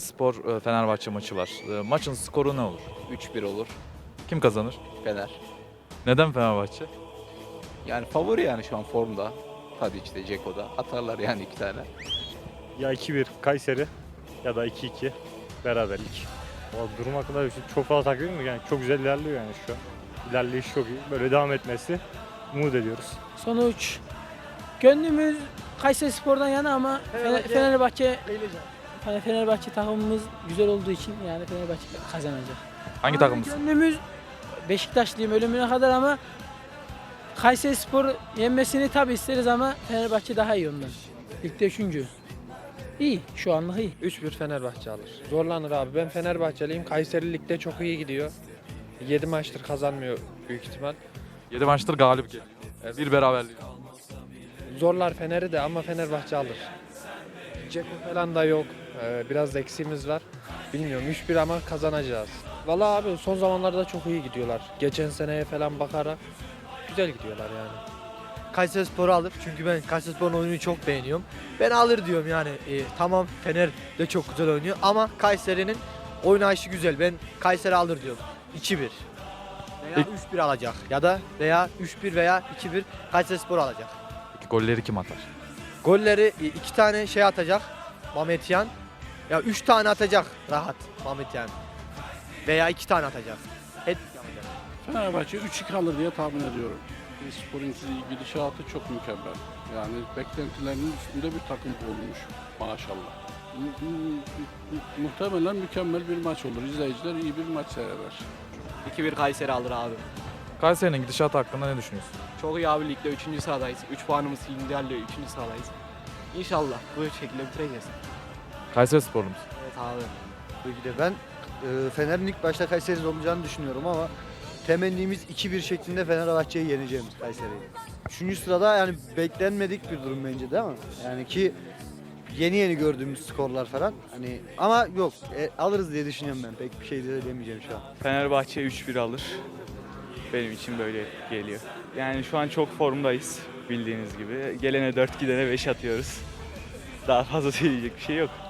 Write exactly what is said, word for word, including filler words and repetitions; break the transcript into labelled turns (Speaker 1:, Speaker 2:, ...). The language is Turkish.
Speaker 1: Kayserispor e, Fenerbahçe maçı var. E, Maçın skoru ne olur?
Speaker 2: üç bir olur
Speaker 1: Kim kazanır?
Speaker 2: Fener.
Speaker 1: Neden Fenerbahçe?
Speaker 2: Yani favori yani şu an formda. Tadic'de, Ceko'da. Atarlar yani iki tane.
Speaker 3: Ya iki bir Kayseri ya da iki iki beraberlik. O durum hakkında bir şey çok fazla takip etmiyorum yani çok güzel ilerliyor yani şu an. İlerleyiş çok iyi. Böyle devam etmesi umut ediyoruz.
Speaker 4: Sonuç gönlümüz Kayserispor'dan yana ama Fenerbahçe Fenerbahçe, hani Fenerbahçe takımımız güzel olduğu için yani Fenerbahçe kazanacak.
Speaker 1: Hangi
Speaker 4: Ama
Speaker 1: takımlısın?
Speaker 4: Gönlümüz Beşiktaşlıyım ölümüne kadar ama Kayserispor yenmesini tabii isteriz ama Fenerbahçe daha iyi ondan. Ligde üçüncü. İyi, şu anlık iyi.
Speaker 5: üç bir Fenerbahçe alır. Zorlanır abi. Ben Fenerbahçeliyim. Kayseri Lig'de çok iyi gidiyor. yedi maçtır kazanmıyor büyük ihtimal.
Speaker 1: yedi maçtır galip geliyor. Bir beraberlik.
Speaker 5: Zorlar Fener'i de ama Fenerbahçe alır. Ceko falan da yok. Ee, biraz da eksiğimiz var. Bilmiyorum üç bir ama kazanacağız. Vallahi abi son zamanlarda çok iyi gidiyorlar. Geçen seneye falan bakarak güzel gidiyorlar yani.
Speaker 6: Kayserispor'u alır. Çünkü ben Kayserispor'un oyununu çok beğeniyorum. Ben alır diyorum yani. E, tamam Fener de çok güzel oynuyor ama Kayseri'nin oynayışı güzel. Ben Kayseri alır diyorum. iki bir. Veya
Speaker 1: Peki.
Speaker 6: üç bir alacak. Ya da veya üç bir veya iki bir Kayserispor alacak.
Speaker 1: Peki golleri kim atar?
Speaker 6: Golleri e, iki tane şey atacak. Mametyan. Ya üç tane atacak rahat Mametyan. Veya iki tane atacak. Hep yapacak.
Speaker 7: Fenerbahçe üç iki alır diye tahmin ediyorum. Spor'un gidişatı çok mükemmel. Yani beklentilerinin üstünde bir takım olmuş maşallah. Mu- mu- mu- Muhtemelen mükemmel bir maç olur. İzleyiciler iyi bir maç seyreder.
Speaker 8: iki bir Kayseri alır abi.
Speaker 1: Kayseri'nin gidişatı hakkında ne düşünüyorsun?
Speaker 8: Çok iyi abi ligde üçüncü sıradayız. üç puanımız liderliyor üçüncü sıradayız. İnşallah bu şekilde bitireceğiz.
Speaker 1: Kayserisporlu musun?
Speaker 8: Evet abi.
Speaker 9: Tabii ki de ben e, Fener'in ilk başta Kayseri'nin olacağını düşünüyorum ama temennimiz iki bir şeklinde Fenerbahçe'yi yeneceğimiz Kayseri'yi. Üçüncü sırada yani beklenmedik bir durum bence değil mi? Yani ki yeni yeni gördüğümüz skorlar falan. Hani ama yok e, alırız diye düşünüyorum ben. Pek bir şey de demeyeceğim şu an.
Speaker 10: Fenerbahçe üç bir alır. Benim için böyle geliyor. Yani şu an çok formdayız bildiğiniz gibi. Gelene dört gidene beş atıyoruz. Daha fazla söyleyecek bir şey yok.